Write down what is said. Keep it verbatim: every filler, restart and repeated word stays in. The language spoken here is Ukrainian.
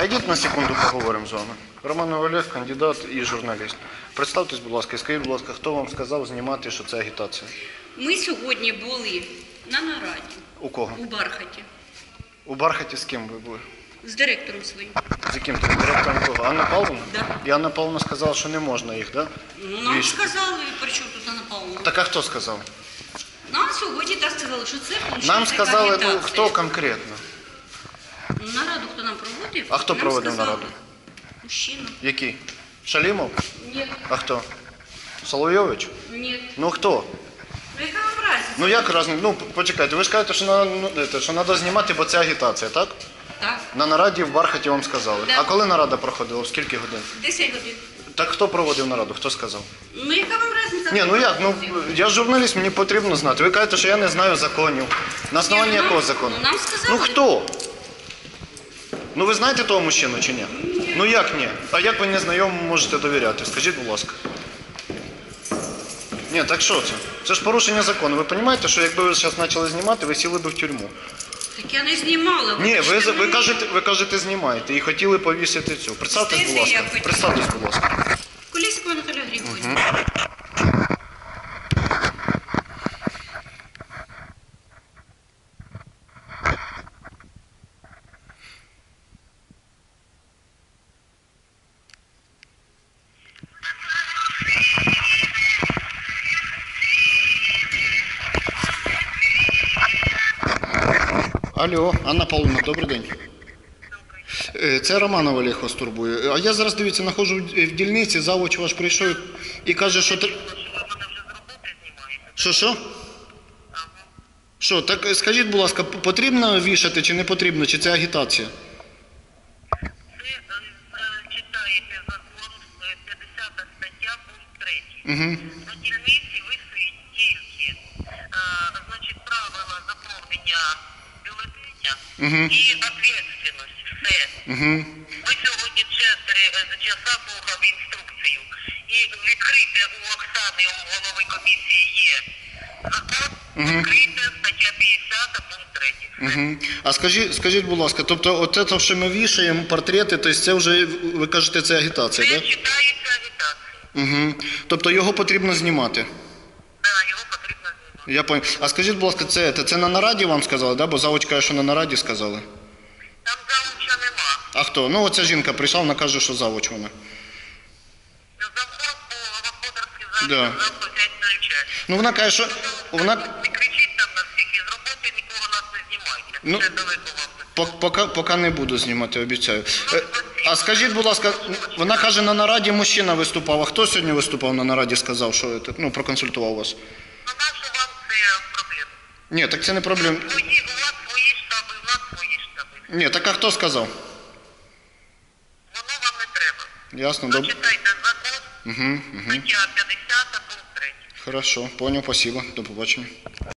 А йдіть на секунду поговоримо з вами. Романов Олег, кандидат і журналіст. Представтесь, будь ласка, і скажіть, будь ласка, хто вам сказав знімати, що це агітація? Ми сьогодні були на нараді. У кого? У Бархаті. У Бархаті з ким ви були? З директором своїм. З яким там директором кого? Анна Павловна? Да. І Анна Павловна сказала, що не можна їх, так? Да? Ну, нам Віж- сказали, при чому тут Анна Павловна? Так а хто сказав? Нам сьогодні так сказали, що це функція Нам сказали, ну агітація. хто конкретно? Нараду хто нам проводив? А хто нам проводив сказали. нараду? Мужчина. Який? Шалімов? Ні. А хто? Соловйович? Ні. Ну хто? Ну яка вам разниця? Ну як разом? Ну почекайте, ви ж кажете, що на- ну, це, що треба знімати, бо це агітація, так? Так. На нараді в Бархаті вам сказали. Да. А коли нарада проходила? В скільки годин? десять годин. Так хто проводив нараду? Хто сказав? Ну яка вам разниця? Ні, ну як? Ну я журналіст, мені потрібно знати. Ви кажете, що я не знаю законів. На основанні Ні, ну, якого нам- закону? нам сказали. Ну хто? Ну ви знаєте того мужчину чи ні? Ні. Ну як ні? А як ви незнайомому можете довіряти? Скажіть, будь ласка. Ні, так що це? Це ж порушення закону. Ви розумієте, що якби ви зараз почали знімати, ви сіли б в тюрму. Так я не знімала. Ні, ви, Вибачте ви, мене. кажете, ви кажете, знімаєте і хотіли повісити цю. Представтесь, будь Стесі я ласка. хотіла. Представтесь, будь ласка. Колєсикова Наталя Григорівна. Алло, Анна Павловна, добрий день. Е, Це Романов Олег вас турбує. А я зараз, дивіться, знаходжу в в дільниці, завуч ваш прийшов і каже, що... тр- Що, що? Що, так е, скажіть, будь ласка, п- потрібно вішати чи не потрібно, чи це агітація? Ви е, читаєте закон, е, п'ятдесята стаття, пункт третій. Угу. На дільниці висить тільки е, значить, правила заповнення бюлетеня Мгм. і відповідальність. Все. Угу. Ми сьогодні чотири часа слухали інструкцію. І відкрите у Оксани, у голови комісії є закон, Мгм. відкрите стаття п'ятдесята, пункт третій. Угу. А скажіть, скажіть, будь ласка, тобто от це, що ми вішаємо, портрети, то це вже, ви кажете, це агітація, Це так? Да? читається агітація. Угу. Тобто його потрібно знімати? Так, його потрібно знімати. Я понял. А скажіть, будь ласка, це, це, це на нараді вам сказали, да? Бо завуч каже, що на нараді сказали. Там завуча нема. А хто? Ну оця жінка прийшла, вона каже, що завуч вона. Завхоз по господарській завжди Да. завтра взять на участь. Ну вона каже, що вона Не кричіть там на всіх і з роботи нікого нас не знімайте. Ну, Це далеко вам. по- поки, поки не буду знімати, обіцяю. Е, А скажіть, будь ласка, вона каже, на нараді мужчина виступав. А хто сьогодні виступав на нараді, сказав, що це, ну, проконсультував вас? Ну нащо вам це проблема? Ні, так це не проблема. Свої, у вас свої штаби, у нас свої штаби. Ні, так а хто сказав? Воно вам не треба. Ясно, добре. Прочитайте закон, Угу, угу. стаття п'ятдесята, пункт третій. Хорошо, понял, спасибо. До побачення.